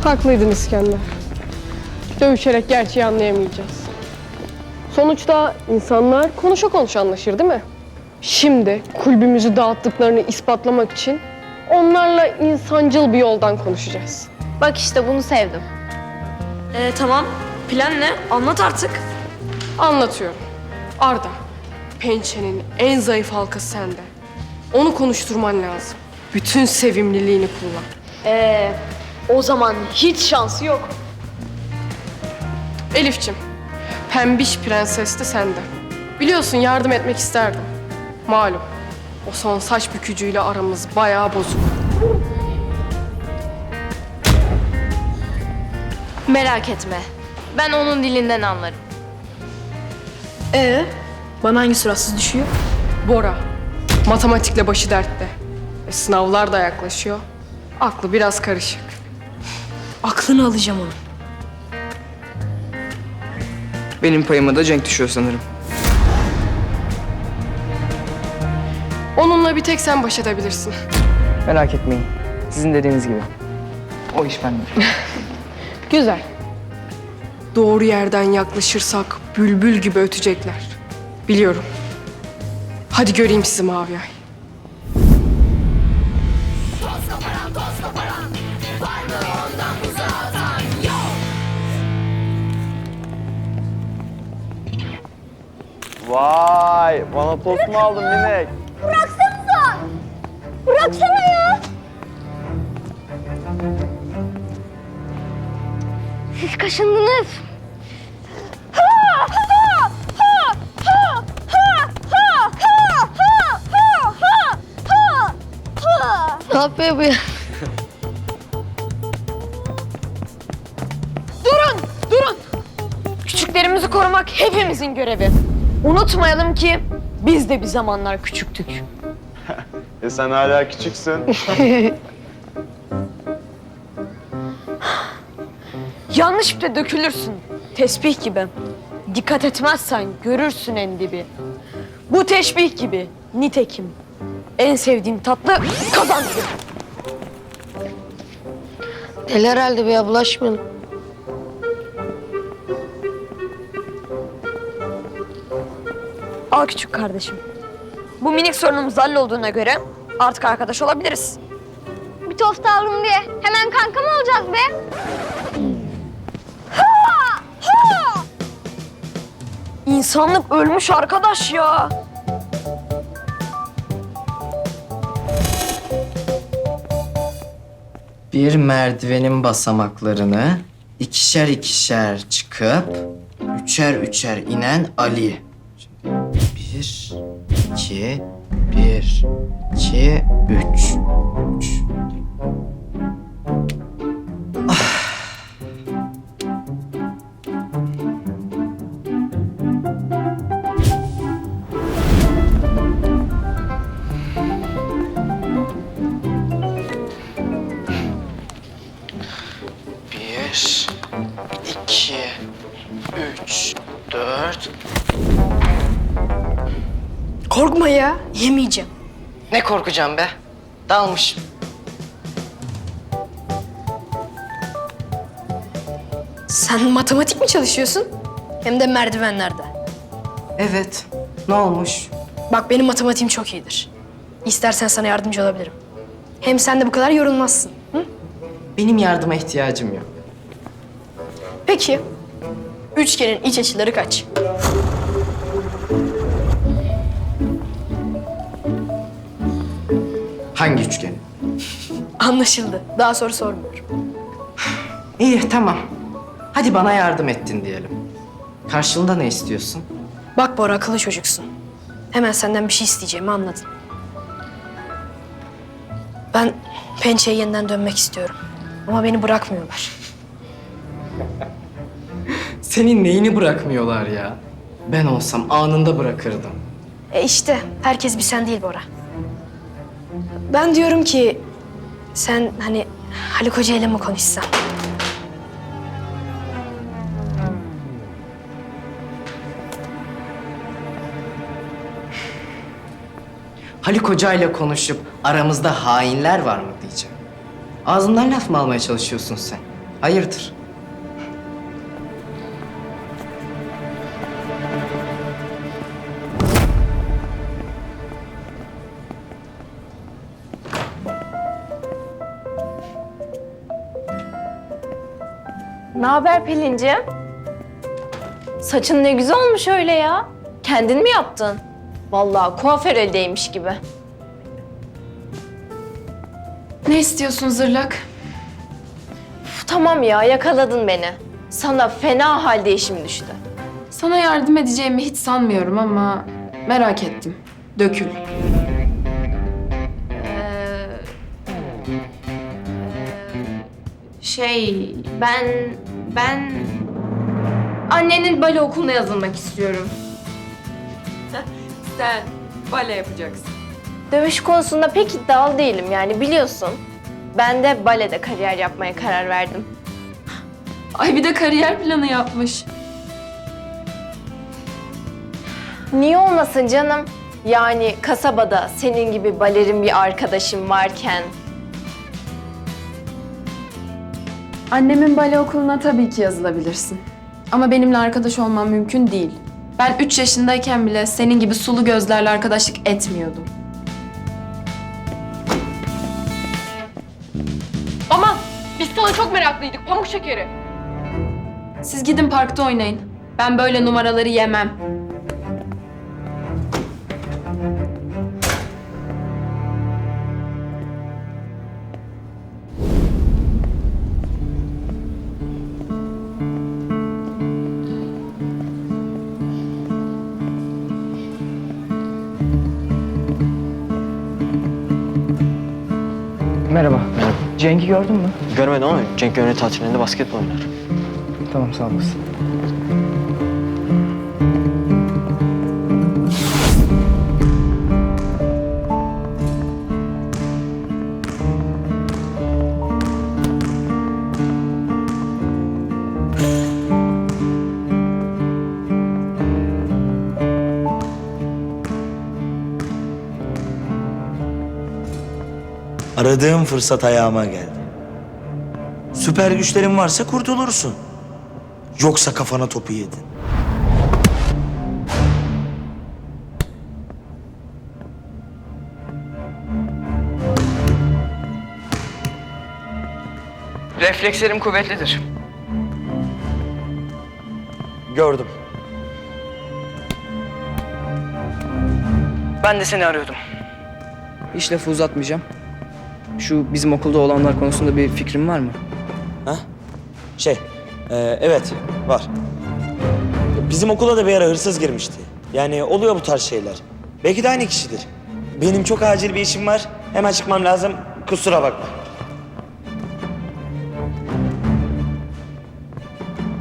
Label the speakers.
Speaker 1: Haklıydın İskender. Dövüşerek gerçeği anlayamayacağız. Sonuçta insanlar konuşa konuşa anlaşır değil mi? Şimdi kulübümüzü dağıttıklarını ispatlamak için onlarla insancıl bir yoldan konuşacağız.
Speaker 2: Bak işte bunu sevdim.
Speaker 3: Tamam. Plan ne? Anlat artık.
Speaker 1: Anlatıyorum. Arda, pençenin en zayıf halkası sende. Onu konuşturman lazım. Bütün sevimliliğini kullan.
Speaker 2: O zaman hiç şansı yok.
Speaker 1: Elifçim, pembiş prenses de sende. Biliyorsun yardım etmek isterdim. Malum, o son saç bükücüyle aramız bayağı bozuk.
Speaker 2: Merak etme. Ben onun dilinden anlarım.
Speaker 3: Bana hangi suratsız düşüyor?
Speaker 1: Bora, matematikle başı dertte. Sınavlar da yaklaşıyor. Aklı biraz karışık.
Speaker 3: Aklını alacağım onu.
Speaker 4: Benim payıma da Cenk düşüyor sanırım.
Speaker 1: Onunla bir tek sen baş edebilirsin.
Speaker 4: Merak etmeyin. Sizin dediğiniz gibi. O iş bende.
Speaker 1: Güzel. Doğru yerden yaklaşırsak bülbül gibi ötecekler. Biliyorum. Hadi göreyim sizi Mavi Ay.
Speaker 5: Vay, bana tost mu aldın minik?
Speaker 6: Bıraksana ya. Siz kaşındınız. Ne yapıyor bu ya?
Speaker 2: Durun! Küçüklerimizi korumak hepimizin görevi. Unutmayalım ki biz de bir zamanlar küçüktük.
Speaker 5: Sen hala küçüksün.
Speaker 2: Yanlış bir de dökülürsün. Tesbih gibi. Dikkat etmezsen görürsün en dibi. Bu teşbih gibi. Nitekim. En sevdiğim tatlı kazandı.
Speaker 6: Deli herhalde bir ya, bulaşmayalım.
Speaker 2: Al küçük kardeşim. Bu minik sorunumuz hallolduğuna göre artık arkadaş olabiliriz.
Speaker 6: Bir tost aldım diye hemen kanka mı olacağız be?
Speaker 2: İnsanlık ölmüş arkadaş ya.
Speaker 7: Bir merdivenin basamaklarını ikişer ikişer çıkıp üçer üçer inen Ali. Şimdi bir, iki, bir, iki, üç. Bir, iki, üç, dört.
Speaker 3: Korkma ya. Yemeyeceğim.
Speaker 7: Ne korkacağım be? Dalmışım.
Speaker 3: Sen matematik mi çalışıyorsun? Hem de merdivenlerde.
Speaker 7: Evet. Ne olmuş?
Speaker 3: Bak benim matematiğim çok iyidir. İstersen sana yardımcı olabilirim. Hem sen de bu kadar yorulmazsın. Hı?
Speaker 7: Benim yardıma ihtiyacım yok.
Speaker 3: Peki. Üçgenin iç açıları kaç?
Speaker 7: Hangi üçgen?
Speaker 3: Anlaşıldı. Daha soru sormuyorum.
Speaker 7: İyi, tamam. Hadi bana yardım ettin diyelim. Karşılığında ne istiyorsun?
Speaker 3: Bak Bora, akıllı çocuksun. Hemen senden bir şey isteyeceğimi anladın. Ben pençeye yeniden dönmek istiyorum. Ama beni bırakmıyorlar.
Speaker 7: Senin neyini bırakmıyorlar ya? Ben olsam anında bırakırdım.
Speaker 3: İşte herkes bir sen değil Bora. Ben diyorum ki sen hani Haluk Hoca ile mi konuşsan?
Speaker 7: Haluk Hoca ile konuşup aramızda hainler var mı diyeceğim. Ağzından laf mı almaya çalışıyorsun sen? Hayırdır?
Speaker 2: Ne haber Pelin'ciğim? Saçın ne güzel olmuş öyle ya. Kendin mi yaptın? Vallahi kuaför eldeymiş gibi.
Speaker 8: Ne istiyorsun zırlak?
Speaker 2: Uf, tamam ya yakaladın beni. Sana fena halde işim düştü.
Speaker 8: Sana yardım edeceğimi hiç sanmıyorum ama merak ettim. Dökül. Ben annenin bale okuluna yazılmak istiyorum.
Speaker 2: Sen bale yapacaksın. Dövüş konusunda pek iddialı değilim yani biliyorsun. Ben de balede kariyer yapmaya karar verdim.
Speaker 8: Ay bir de kariyer planı yapmış.
Speaker 2: Niye olmasın canım? Yani kasabada senin gibi balerin bir arkadaşım varken...
Speaker 8: Annemin bale okuluna tabii ki yazılabilirsin. Ama benimle arkadaş olman mümkün değil. Ben 3 yaşındayken bile senin gibi sulu gözlerle arkadaşlık etmiyordum.
Speaker 1: Aman biz sana çok meraklıydık pamuk şekeri.
Speaker 8: Siz gidin parkta oynayın. Ben böyle numaraları yemem.
Speaker 4: Merhaba. Cenk'i gördün mü?
Speaker 9: Görmedim ama Cenk Gönül tatilinde basketbol oynar.
Speaker 4: Tamam, sağ olasın.
Speaker 10: Aradığım fırsat ayağıma geldi. Süper güçlerin varsa kurtulursun. Yoksa kafana topu yedin.
Speaker 4: Reflekslerim kuvvetlidir.
Speaker 10: Gördüm.
Speaker 4: Ben de seni arıyordum. Hiç lafı uzatmayacağım. Şu bizim okulda olanlar konusunda bir fikrin var mı?
Speaker 10: Ha? Evet, var. Bizim okula da bir ara hırsız girmişti. Yani oluyor bu tarz şeyler. Belki de aynı kişidir. Benim çok acil bir işim var. Hemen çıkmam lazım. Kusura bakma.